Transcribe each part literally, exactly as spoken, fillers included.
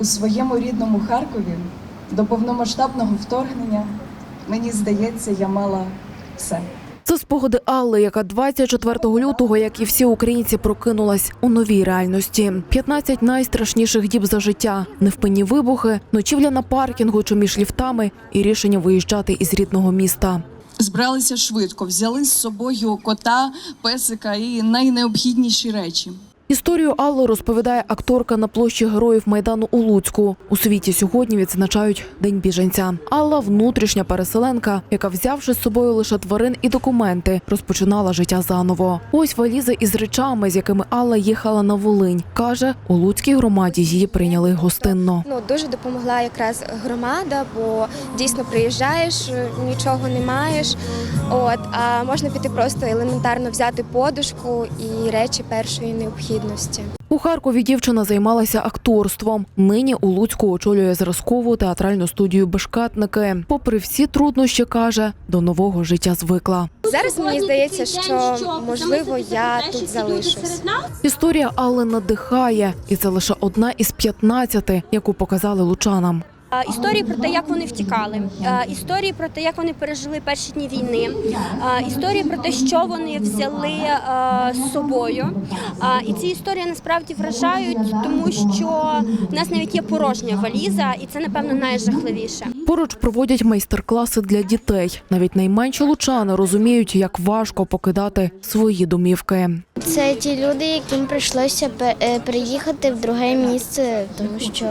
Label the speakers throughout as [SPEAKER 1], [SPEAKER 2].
[SPEAKER 1] У своєму рідному Харкові до повномасштабного вторгнення, мені здається, я мала все.
[SPEAKER 2] Це спогади Алли, яка двадцять четвертого лютого, як і всі українці, прокинулась у новій реальності. п'ятнадцять найстрашніших діб за життя, невпинні вибухи, ночівля на паркінгу чи між ліфтами і рішення виїжджати із рідного міста.
[SPEAKER 1] Збиралися швидко, взяли з собою кота, песика і найнеобхідніші речі.
[SPEAKER 2] Історію Алли розповідає акторка на площі Героїв Майдану у Луцьку. У світі сьогодні відзначають День біженця. Алла – внутрішня переселенка, яка, взявши з собою лише тварин і документи, розпочинала життя заново. Ось валіза із речами, з якими Алла їхала на Волинь. Каже, у Луцькій громаді її прийняли гостинно.
[SPEAKER 3] Ну, дуже допомогла якраз громада, бо дійсно приїжджаєш, нічого не маєш, от, а можна піти просто елементарно взяти подушку і речі першої необхідності.
[SPEAKER 2] У Харкові дівчина займалася акторством. Нині у Луцьку очолює зразкову театральну студію «Бешкетники». Попри всі труднощі, каже, до нового життя звикла.
[SPEAKER 3] Зараз мені здається, що, можливо, я тут залишусь.
[SPEAKER 2] Історія Алли надихає. І це лише одна із п'ятнадцяти, яку показали лучанам.
[SPEAKER 4] Історії про те, як вони втікали, історії про те, як вони пережили перші дні війни, історії про те, що вони взяли з собою. І ці історії насправді вражають, тому що в нас навіть є порожня валіза, і це, напевно, найжахливіше.
[SPEAKER 2] Поруч проводять майстер-класи для дітей. Навіть найменші лучани розуміють, як важко покидати свої домівки.
[SPEAKER 5] Це ті люди, яким прийшлося переїхати в друге місце, тому що,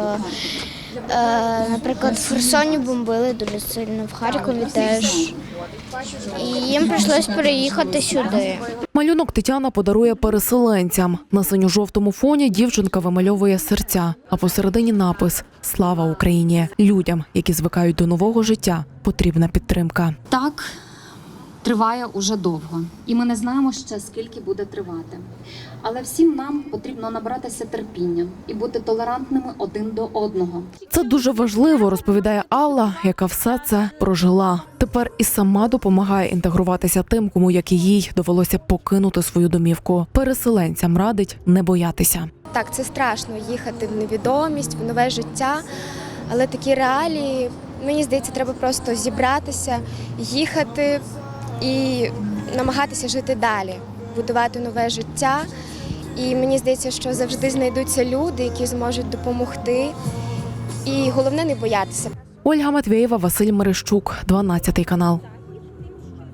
[SPEAKER 5] наприклад, в Херсоні бомбили дуже сильно, в Харкові теж. І їм прийшлося переїхати сюди.
[SPEAKER 2] Малюнок Тетяна подарує переселенцям. На синьо-жовтому фоні дівчинка вимальовує серця, а посередині напис «Слава Україні». Людям, які звикають до нового життя, потрібна підтримка.
[SPEAKER 6] Так, триває уже довго, і ми не знаємо ще, скільки буде тривати. Але всім нам потрібно набратися терпіння і бути толерантними один до одного.
[SPEAKER 2] Це дуже важливо, розповідає Алла, яка все це прожила. Тепер і сама допомагає інтегруватися тим, кому, як і їй, довелося покинути свою домівку. Переселенцям радить не боятися.
[SPEAKER 3] Так, це страшно – їхати в невідомість, в нове життя, але такі реалії, мені здається, треба просто зібратися, їхати і намагатися жити далі, будувати нове життя. І мені здається, що завжди знайдуться люди, які зможуть допомогти. І головне – не боятися.
[SPEAKER 2] Ольга Матвєєва, Василь Мерещук, дванадцятий канал.